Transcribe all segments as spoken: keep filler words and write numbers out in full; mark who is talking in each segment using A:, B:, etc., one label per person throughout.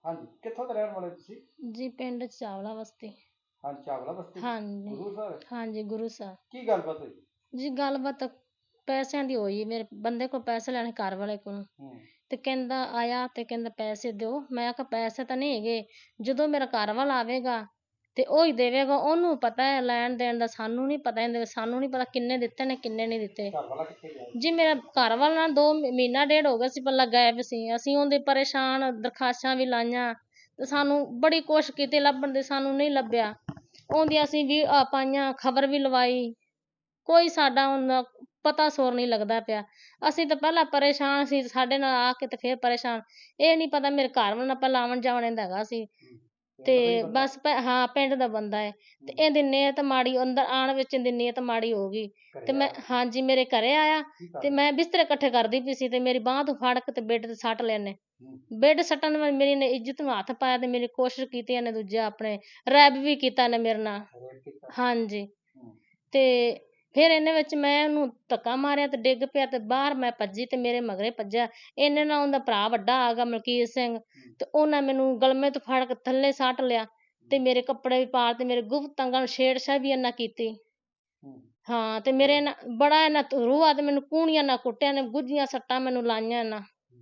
A: ਹਾਂਜੀ, ਕਿੱਥੋਂ ਦੇ ਰਹਿਣ ਵਾਲੇ ਤੁਸੀਂ?
B: ਜੀ ਪਿੰਡ ਚਾਵਲਾ ਬਸਤੀ।
A: ਹਾਂ, ਚਾਵਲਾ ਬਸਤੀ
B: ਹਾਂਜੀ
A: ਗੁਰੂ ਸਾਹਿਬ।
B: ਹਾਂਜੀ ਗੁਰੂ ਸਾਹਿਬ।
A: ਕੀ ਗੱਲਬਾਤ ਹੋਈ?
B: ਜੀ ਗੱਲਬਾਤ ਪੈਸਿਆਂ ਦੀ ਹੋਈ। ਮੇਰੇ ਬੰਦੇ ਕੋਲ ਪੈਸੇ ਲੈਣੇ ਘਰ ਵਾਲੇ ਕੋਲ
A: ਹੂੰ
B: ਤੇ ਕਹਿੰਦਾ ਆਇਆ ਤੇ ਕਹਿੰਦਾ ਪੈਸੇ ਦਿਓ। ਮੈਂ ਕਿਹਾ ਪੈਸੇ ਤਾਂ ਨਹੀਂ ਹੈਗੇ, ਜਦੋਂ ਮੇਰਾ ਘਰ ਵਾਲਾ ਆਵੇਗਾ ਤੇ ਉਹ ਹੀ ਦੇਵੇਗਾ, ਉਹਨੂੰ ਪਤਾ ਹੈ ਲੈਣ ਦੇਣ ਦਾ, ਸਾਨੂੰ ਨਹੀਂ ਪਤਾ। ਇਹਦੇ ਸਾਨੂੰ ਨਹੀਂ ਪਤਾ ਕਿੰਨੇ ਦਿੱਤੇ ਨੇ ਕਿੰਨੇ ਨਹੀਂ ਦਿੱਤੇ।
A: ਘਰ ਵਾਲਾ ਕਿੱਥੇ ਗਿਆ?
B: ਜੀ ਮੇਰਾ ਘਰ ਵਾਲਾ ਨਾ ਦੋ ਮਹੀ- ਮਹੀਨਾ ਡੇਢ ਹੋ ਗਿਆ ਸੀ ਪਹਿਲਾਂ ਗਾਇਬ ਸੀ। ਅਸੀਂ ਉਹਦੇ ਪਰੇਸ਼ਾਨ ਦਰਖਾਸਤਾਂ ਵੀ ਲਾਈਆਂ ਤੇ ਸਾਨੂੰ ਬੜੀ ਕੋਸ਼ਿਸ਼ ਕੀਤੀ ਲੱਭਣ ਦੀ, ਸਾਨੂੰ ਨਹੀਂ ਲੱਭਿਆ। ਉਹਦੀ ਅਸੀਂ ਵੀ ਆ ਪਾਈਆਂ, ਖਬਰ ਵੀ ਲਵਾਈ, ਕੋਈ ਸਾਡਾ ਹੁਣ ਪਤਾ ਸੋਰ ਨਹੀਂ ਲੱਗਦਾ ਪਿਆ। ਅਸੀਂ ਤਾਂ ਪਹਿਲਾਂ ਪਰੇਸ਼ਾਨ ਸੀ, ਸਾਡੇ ਨਾਲ ਆ ਕੇ ਤੇ ਫਿਰ ਪਰੇਸ਼ਾਨ। ਇਹ ਨਹੀਂ ਪਤਾ ਮੇਰੇ ਘਰ ਵਾਲਾ ਨਾਲ ਪਹਿਲਾਂ ਆਉਣ ਜਾਣ ਇਹਦਾ ਹੈਗਾ ਸੀ ਤੇ ਬਸ ਪ- ਹਾਂ ਪਿੰਡ ਦਾ ਬੰਦਾ ਹੈ ਤੇ ਇਹਦੀ ਨੀਅਤ ਮਾੜੀ, ਅੰਦਰ ਆਉਣ ਵਿੱਚ ਇਹਦੀ ਨੀਅਤ ਮਾੜੀ ਹੋ ਗਈ ਤੇ ਮੈਂ ਹਾਂਜੀ ਮੇਰੇ ਘਰੇ ਆਇਆ ਤੇ ਮੈਂ ਬਿਸਤਰੇ ਇਕੱਠੇ ਕਰਦੀ ਪਈ ਸੀ ਤੇ ਮੇਰੀ ਬਾਂਹ ਤੋਂ ਫੜ ਕੇ ਤੇ ਬੈੱਡ ਤੇ ਸੱਟ ਲਿਆ ਇਹਨੇ। ਬੈੱਡ ਸੱਟਣ ਨਾਲ ਮੇਰੀ ਨੇ ਇੱਜ਼ਤ ਨੂੰ ਹੱਥ ਪਾਇਆ ਤੇ ਮੇਰੀ ਕੋਸ਼ਿਸ਼ ਕੀਤੀ ਇਹਨੇ, ਦੂਜਾ ਆਪਣੇ ਰੈਬ ਵੀ ਕੀਤਾ ਇਹਨੇ ਮੇਰੇ ਨਾਲ। ਹਾਂਜੀ ਤੇ ਫਿਰ ਇਹਨੇ ਵਿੱਚ ਮੈਂ ਉਹਨੂੰ ਧੱਕਾ ਮਾਰਿਆ ਤੇ ਡਿੱਗ ਪਿਆ ਤੇ ਬਾਹਰ ਮੈਂ ਭੱਜੀ ਤੇ ਮੇਰੇ ਮਗਰੇ ਭੱਜਿਆ। ਇਹਨੇ ਨਾਲ ਉਹਦਾ ਭਰਾ ਵੱਡਾ ਆ ਗਿਆ ਮਲਕੀਤ ਸਿੰਘ ਤੇ ਉਹਨਾਂ ਮੈਨੂੰ ਗਲਮੇ ਤੋਂ ਫੜ ਕੇ ਥੱਲੇ ਸੱਟ ਲਿਆ ਤੇ ਮੇਰੇ ਕੱਪੜੇ ਵੀ ਪਾੜ ਤੇ ਮੇਰੇ ਗੁਪਤ ਅੰਗਾਂ ਨੂੰ ਛੇੜਛਾੜ ਵੀ ਇਹਨਾਂ ਕੀਤੀ। ਹਾਂ ਤੇ ਮੇਰੇ ਨਾ ਬੜਾ ਇਹਨਾਂ ਰੂਹਾ ਤੇ ਮੈਨੂੰ ਕੂਣੀਆਂ ਨਾਲ ਕੁੱਟਿਆ ਨੇ, ਗੁੱਝੀਆਂ ਸੱਟਾਂ ਮੈਨੂੰ ਲਾਈਆਂ ਇਹਨਾਂ।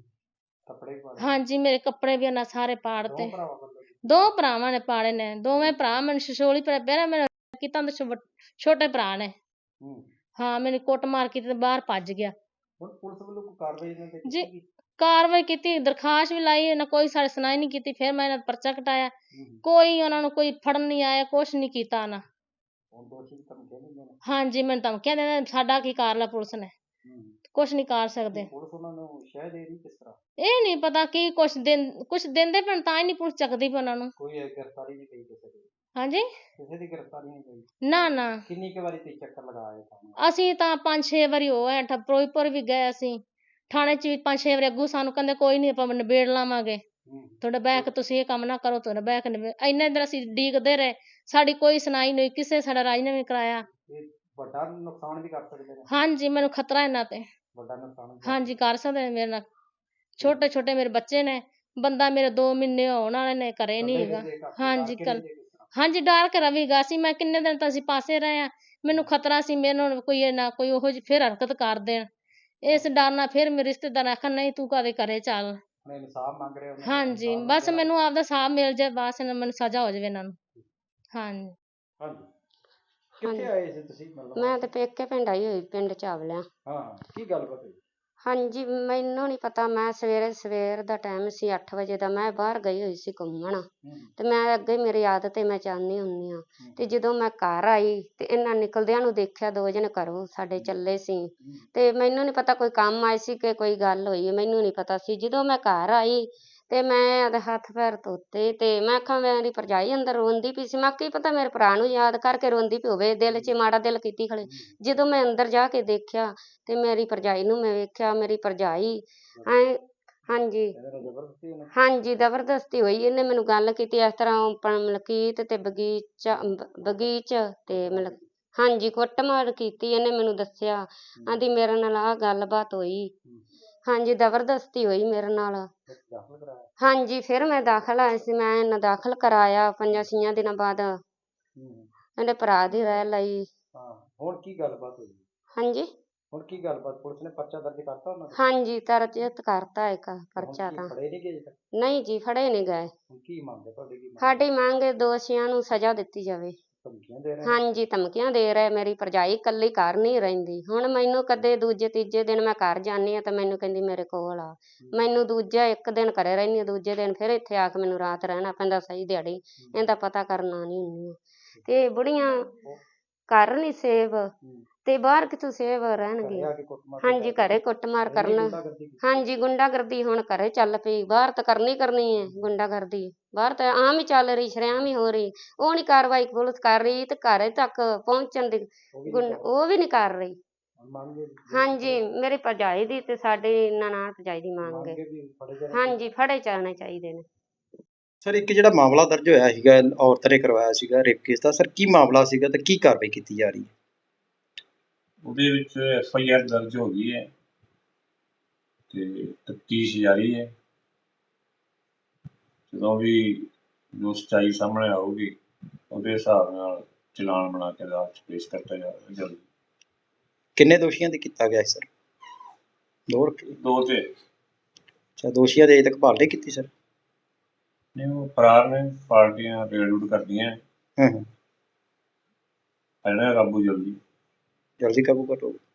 B: ਹਾਂਜੀ ਮੇਰੇ ਕੱਪੜੇ ਵੀ ਇਹਨਾਂ ਸਾਰੇ ਪਾੜ ਤੇ। ਦੋ ਭਰਾਵਾਂ ਨੇ ਪਾੜੇ ਨੇ, ਦੋਵੇਂ ਭਰਾ ਮੈਨੂੰ ਛਛੋਲੀ ਪਿਆ ਮੇਰਾ ਕੀਤਾ ਛੋਟੇ ਭਰਾ ਨੇ। ਹਾਂ ਮੈਨੂੰ ਕੁੱਟ ਮਾਰ ਕੀਤੀ ਤੇ ਬਾਹਰ ਭੱਜ ਗਿਆ।
A: ਹੁਣ ਪੁਲਿਸ ਵੱਲੋਂ ਕੋਈ ਕਾਰਵਾਈ ਇਹਨਾਂ ਤੇ
B: ਜੀ
A: ਕੀਤੀ?
B: ਕਾਰਵਾਈ ਕੀਤੀ, ਦਰਖਾਸਤ ਵੀ ਲਾਈ, ਇਹਨਾਂ ਕੋਈ ਸਾਡੀ ਸੁਣਾਈ ਨਹੀਂ ਕੀਤੀ। ਫਿਰ ਮੈਂ ਇਹਨਾਂ ਦਾ ਪਰਚਾ ਕਟਾਇਆ, ਕੋਈ ਉਹਨਾਂ ਨੂੰ ਕੋਈ ਫੜਨ ਨਹੀਂ ਆਇਆ, ਕੁਛ ਨਹੀਂ ਕੀਤਾ ਨਾ।
A: ਹੁਣ ਦੋਸ਼ੀ ਦੀ ਧਮਕੀਆਂ ਦਿੰਦੇ ਨੇ?
B: ਹਾਂਜੀ ਮੈਨੂੰ ਧਮਕੀਆਂ ਦਿੰਦੇ, ਸਾਡਾ ਕੀ ਕਰ ਲਿਆ ਪੁਲਿਸ ਨੇ, ਕੁਛ ਨਹੀਂ ਕਰ ਸਕਦੇ।
A: ਪੁਲਿਸ ਉਹਨਾਂ ਨੂੰ ਸ਼ਹਿ ਦੇ ਰਹੀ ਕਿਸ ਤਰ੍ਹਾਂ?
B: ਇਹ ਨਹੀਂ ਪਤਾ ਕੀ ਕੁਛ ਦਿਨ ਕੁਛ ਦਿੰਦੇ ਪੈਣ ਤਾਂ ਹੀ ਨਹੀਂ ਪੁਲਿਸ ਚੱਕਦੀ ਪਈ ਉਹਨਾਂ ਨੂੰ।
A: ਕੋਈ ਗ੍ਰਿਫਤਾਰੀ ਨਹੀਂ ਪਈ ਕਿਸੇ ਦੀ?
B: ਹਾਂਜੀ
A: ਕਿਸੇ ਦੀ ਗ੍ਰਿਫਤਾਰੀ ਨਹੀਂ ਪਈ?
B: ਨਾ ਨਾ
A: ਕਿੰਨੀ ਕੁ ਵਾਰੀ ਤੁਸੀਂ ਚੱਕਰ ਲਗਾਏ ਥਾਣੇ?
B: ਅਸੀਂ ਤਾਂ ਪੰਜ ਛੇ ਵਾਰੀ ਹੋ ਆਏ, ਫਿਰੋਜ਼ਪੁਰ ਵੀ ਗਏ ਅਸੀਂ, ਥਾਣੇ 'ਚ ਵੀ ਪੰਜ ਛੇ ਵਾਰੀ। ਅੱਗੋਂ ਸਾਨੂੰ ਕਹਿੰਦੇ ਕੋਈ ਨਹੀਂ ਆਪਾਂ ਨਿਬੇੜ ਲਾਵਾਂਗੇ, ਤੁਹਾਡਾ ਬੈਕ ਤੁਸੀਂ ਇਹ ਕੰਮ ਨਾ ਕਰੋ, ਤੁਹਾਡਾ ਬੈਕ ਨਿਬੇੜ। ਇੰਨੇ ਦਿਨ ਅਸੀਂ ਉਡੀਕਦੇ ਰਹੇ, ਸਾਡੀ ਕੋਈ ਸੁਣਾਈ ਨਹੀਂ, ਕਿਸੇ ਸਾਡਾ ਰਾਜ ਨੇ ਵੀ ਕਰਾਇਆ।
A: ਇਹ ਵੱਡਾ ਨੁਕਸਾਨ ਵੀ ਕਰ ਸਕਦੇ ਨੇ?
B: ਹਾਂਜੀ ਮੈਨੂੰ ਖਤਰਾ ਇਹਨਾਂ ਤੇ।
A: ਵੱਡਾ ਨੁਕਸਾਨ?
B: ਹਾਂਜੀ ਕਰ ਸਕਦੇ ਨੇ ਮੇਰੇ ਨਾਲ, ਛੋਟੇ ਛੋਟੇ ਮੇਰੇ ਬੱਚੇ ਨੇ, ਬੰਦਾ ਮੇਰੇ ਦੋ ਮਹੀਨੇ ਹੋਣ ਵਾਲੇ ਨੇ, ਘਰੇ ਨਹੀਂ ਹੈਗਾ। ਹਾਂਜੀ ਕੱਲ ਹਾਂਜੀ ਡਰ ਕੇ ਰਵੀਗਾ ਸੀ ਮੈਂ, ਕਿੰਨੇ ਦਿਨ ਤਾਂ ਅਸੀਂ ਪਾਸੇ ਰਹੇ ਆ, ਮੈਨੂੰ ਖਤਰਾ ਸੀ ਮੇਰੇ ਨਾਲ ਕੋਈ ਨਾ ਕੋਈ ਉਹੋ ਜਿਹੀ ਫਿਰ ਹਰਕਤ ਕਰ ਦੇਣ, ਇਸ ਡਰ ਨਾਲ ਫਿਰ ਮੇਰੇ ਰਿਸ਼ਤੇਦਾਰ ਆਖਣ ਨਹੀਂ ਤੂੰ ਕਾਹਦੇ ਘਰੇ ਚੱਲ।
A: ਇਨਸਾਫ ਮੰਗ ਰਹੇ ਹੋ?
B: ਹਾਂਜੀ ਬਸ ਮੈਨੂੰ ਆਪਦਾ ਸਾਹਬ ਮਿਲ ਜਾਏ, ਬਸ ਮੈਨੂੰ ਸਜ਼ਾ ਹੋ ਜਾਵੇ ਇਹਨਾਂ ਨੂੰ। ਹਾਂਜੀ
A: ਹਾਂਜੀ ਕਿੱਥੇ ਆਏ ਸੀ ਤੁਸੀਂ? ਮਤਲਬ
C: ਮੈਂ ਤੇ ਪੇਕੇ ਪਿੰਡ ਆਈ ਹੋਈ, ਪਿੰਡ ਚਾਵਲਿਆਂ।
A: ਹਾਂ ਕੀ ਗੱਲਬਾਤ ਹੋਈ?
C: ਹਾਂਜੀ ਮੈਨੂੰ ਨਹੀਂ ਪਤਾ, ਮੈਂ ਸਵੇਰੇ ਸਵੇਰ ਦਾ ਟਾਈਮ ਸੀ ਅੱਠ ਵਜੇ ਦਾ, ਮੈਂ ਬਾਹਰ ਗਈ ਹੋਈ ਸੀ ਘੁੰਮਣ ਤੇ ਮੈਂ ਅੱਗੇ ਮੇਰੀ ਆਦਤ ਹੈ ਮੈਂ ਜਾਂਦੀ ਹੁੰਦੀ ਹਾਂ ਤੇ ਜਦੋਂ ਮੈਂ ਘਰ ਆਈ ਤੇ ਇਹਨਾਂ ਨਿਕਲਦਿਆਂ ਨੂੰ ਦੇਖਿਆ, ਦੋ ਜਣੇ ਘਰੋਂ ਸਾਡੇ ਚੱਲੇ ਸੀ ਤੇ ਮੈਨੂੰ ਨਹੀਂ ਪਤਾ ਕੋਈ ਕੰਮ ਆਏ ਸੀ ਕਿ ਕੋਈ ਗੱਲ ਹੋਈ, ਮੈਨੂੰ ਨਹੀਂ ਪਤਾ ਸੀ। ਜਦੋਂ ਮੈਂ ਘਰ ਆਈ ਤੇ ਮੈਂ ਉਹਦੇ ਹੱਥ ਪੈਰ ਧੋਤੇ ਤੇ ਮੈਂ ਆਖਾਂ ਮੇਰੀ ਭਰਜਾਈ ਅੰਦਰ ਰੋਂਦੀ ਪਈ ਸੀ, ਮੈਂ ਕੀ ਪਤਾ ਮੇਰੇ ਭਰਾ ਨੂੰ ਯਾਦ ਕਰਕੇ ਰੋਂਦੀ ਪਈ ਹੋਵੇ, ਦਿਲ 'ਚ ਮਾੜਾ ਦਿਲ ਕੀਤੀ ਖੜੇ। ਜਦੋਂ ਮੈਂ ਅੰਦਰ ਜਾ ਕੇ ਦੇਖਿਆ ਤੇ ਮੇਰੀ ਭਰਜਾਈ ਨੂੰ ਮੈਂ ਵੇਖਿਆ, ਮੇਰੀ ਭਰਜਾਈ ਐ ਹਾਂਜੀ ਹਾਂਜੀ ਜ਼ਬਰਦਸਤੀ ਹੋਈ। ਇਹਨੇ ਮੈਨੂੰ ਗੱਲ ਕੀਤੀ ਇਸ ਤਰ੍ਹਾਂ ਮਲਕੀਤ ਤੇ ਬਗੀਚਾ ਬਗੀਚ ਤੇ ਮਤਲਬ ਹਾਂਜੀ ਕੁੱਟਮਾਰ ਕੀਤੀ। ਇਹਨੇ ਮੈਨੂੰ ਦੱਸਿਆ, ਆਂਦੀ ਮੇਰੇ ਨਾਲ ਆਹ ਗੱਲਬਾਤ ਹੋਈ। ਹਾਂਜੀ ਜ਼ਬਰਦਸਤੀ ਹੋਈ ਮੇਰੇ ਨਾਲ। ਹਾਂਜੀ ਫਿਰ ਮੈਂ ਦਾਖਲ ਆਈ ਸੀ, ਮੈਂ ਇਹਨਾਂ ਦਾਖਲ ਕਰਾਇਆ ਪੰਜਾਂ ਛੀਆਂ ਦਿਨਾਂ ਬਾਅਦ। ਇਹਦੇ ਭਰਾ ਦੀ ਰਹਿ ਲਈ।
A: ਹੁਣ ਕੀ ਗੱਲਬਾਤ ਹੋਈ?
C: ਹਾਂਜੀ
A: ਹੁਣ ਕੀ ਗੱਲਬਾਤ? ਪੁਲਿਸ ਨੇ ਪਰਚਾ ਦਰਜ ਕਰਤਾ ਉਹਨਾਂ ਤੇ?
C: ਹਾਂਜੀ ਦਰਜ ਕਰਤਾ ਇੱਕ ਪਰਚਾ ਤਾਂ।
A: ਫੜੇ ਨਹੀਂ ਗਏ?
C: ਨਹੀਂ ਜੀ ਫੜੇ ਨਹੀਂ ਗਏ।
A: ਕੀ ਮੰਗ ਹੈ ਤੁਹਾਡੀ? ਕੀ
C: ਸਾਡੀ ਮੰਗ ਦੋਸ਼ੀਆਂ ਨੂੰ ਸਜ਼ਾ ਦਿੱਤੀ ਜਾਵੇ।
A: ਧਮਕੀਆਂ ਦੇ ਰਹੇ?
C: ਹਾਂਜੀ ਧਮਕੀਆਂ ਦੇ ਰਹੇ। ਮੇਰੀ ਭਰਜਾਈ ਇਕੱਲੀ ਘਰ ਨਹੀਂ ਰਹਿੰਦੀ, ਹੁਣ ਮੈਨੂੰ ਕਦੇ ਦੂਜੇ ਤੀਜੇ ਦਿਨ ਮੈਂ ਘਰ ਜਾਂਦੀ ਹਾਂ ਤਾਂ ਮੈਨੂੰ ਕਹਿੰਦੀ ਮੇਰੇ ਕੋਲ ਆ। ਮੈਨੂੰ ਦੂਜਾ ਇੱਕ ਦਿਨ ਘਰੇ ਰਹਿੰਦੀ ਹਾਂ, ਦੂਜੇ ਦਿਨ ਫਿਰ ਇੱਥੇ ਆ ਕੇ ਮੈਨੂੰ ਰਾਤ ਰਹਿਣਾ ਪੈਂਦਾ ਸਹੀ ਦਿਹਾੜੀ, ਇਹਦਾ ਪਤਾ ਕਰਨਾ ਨਹੀਂ ਹੁੰਦੀ। ਤੇ ਬੁੜੀਆਂ ਘਰ ਨਹੀਂ ਸੇਵ ਤੇ ਬਾਹਰ ਕਿੱਥੋਂ ਸੇਵ ਰਹਿਣਗੇ। ਹਾਂਜੀ ਘਰੇ ਕੁੱਟਮਾਰ ਕਰਨਾ, ਹਾਂਜੀ ਗੁੰਡਾਗਰਦੀ ਹੁਣ ਘਰੇ ਚੱਲ ਪਈ, ਬਾਹਰ ਤਾਂ ਕਰਨੀ ਕਰਨੀ ਹੈ ਗੁੰਡਾਗਰਦੀ, ਬਾਹਰ ਤਾਂ ਆਮ ਹੀ ਚੱਲ ਰਹੀ, ਸ਼ਰੇਆਮ ਹੀ ਹੋ ਰਹੀ। ਉਹ ਨਹੀਂ ਕਾਰਵਾਈ ਪੁਲਿਸ ਕਰ ਰਹੀ ਤੇ ਘਰੇ ਤੱਕ ਪਹੁੰਚਣ ਦੀ ਉਹ ਵੀ ਨਹੀਂ ਕਰ ਰਹੀ। ਹਾਂਜੀ ਮੇਰੀ ਭਰਜਾਈ ਦੀ ਤੇ ਸਾਡੀ ਨਨਾਣ ਭਰਜਾਈ ਦੀ ਮੰਗ ਹੈ, ਹਾਂਜੀ ਫੜੇ ਜਾਣੇ ਚਾਹੀਦੇ ਨੇ।
A: ਸਰ ਇੱਕ ਜਿਹੜਾ ਮਾਮਲਾ ਦਰਜ ਹੋਇਆ ਸੀਗਾ ਔਰਤ ਨੇ ਕਰਵਾਇਆ ਸੀਗਾ ਰੇਪ ਕੇਸ ਦਾ, ਸਰ ਕੀ ਮਾਮਲਾ ਸੀਗਾ ਤੇ ਕੀ ਕਾਰਵਾਈ ਕੀਤੀ ਜਾ ਰਹੀ ਹੈ?
D: ਉਹਦੇ ਵਿੱਚ ਐਫ ਆਈ ਆਰ ਦਰਜ ਹੋ ਗਈ ਹੈ ਤੇ ਤਫਤੀਸ਼ ਜਾਰੀ ਹੈ ਜਦੋਂ ਵੀ ਜੋ ਸੱਚਾਈ ਸਾਹਮਣੇ ਆਊਗੀ ਉਹਦੇ ਹਿਸਾਬ ਨਾਲ ਚਲਾਨ ਬਣਾ ਕੇ ਅਦਾਲਤ 'ਚ ਪੇਸ਼ ਕਰਤਾ ਜਾਵੇਗਾ ਜਲਦੀ।
A: ਕਿੰਨੇ ਦੋਸ਼ੀਆਂ ਤੇ ਕੀਤਾ ਗਿਆ ਸਰ? ਦੋ ਰੱਖੇ?
D: ਦੋ ਤੇ
A: ਅੱਛਾ, ਦੋਸ਼ੀਆਂ ਦੀ ਅਜੇ ਤੱਕ ਭਾਲ ਨਹੀਂ ਕੀਤੀ ਸਰ?
D: ਨਹੀਂ, ਉਹ ਫਰਾਰ ਨੇ, ਪਾਰਟੀਆਂ ਰੇਡ ਰੂਡ ਕਰਦੀਆਂ
A: ਹੂੰ ਹੂੰ
D: ਇਹਨਾਂ ਕਾਬੂ ਜਲਦੀ।
A: ਜਲਦੀ ਕਾਬੂ ਕਰੋ।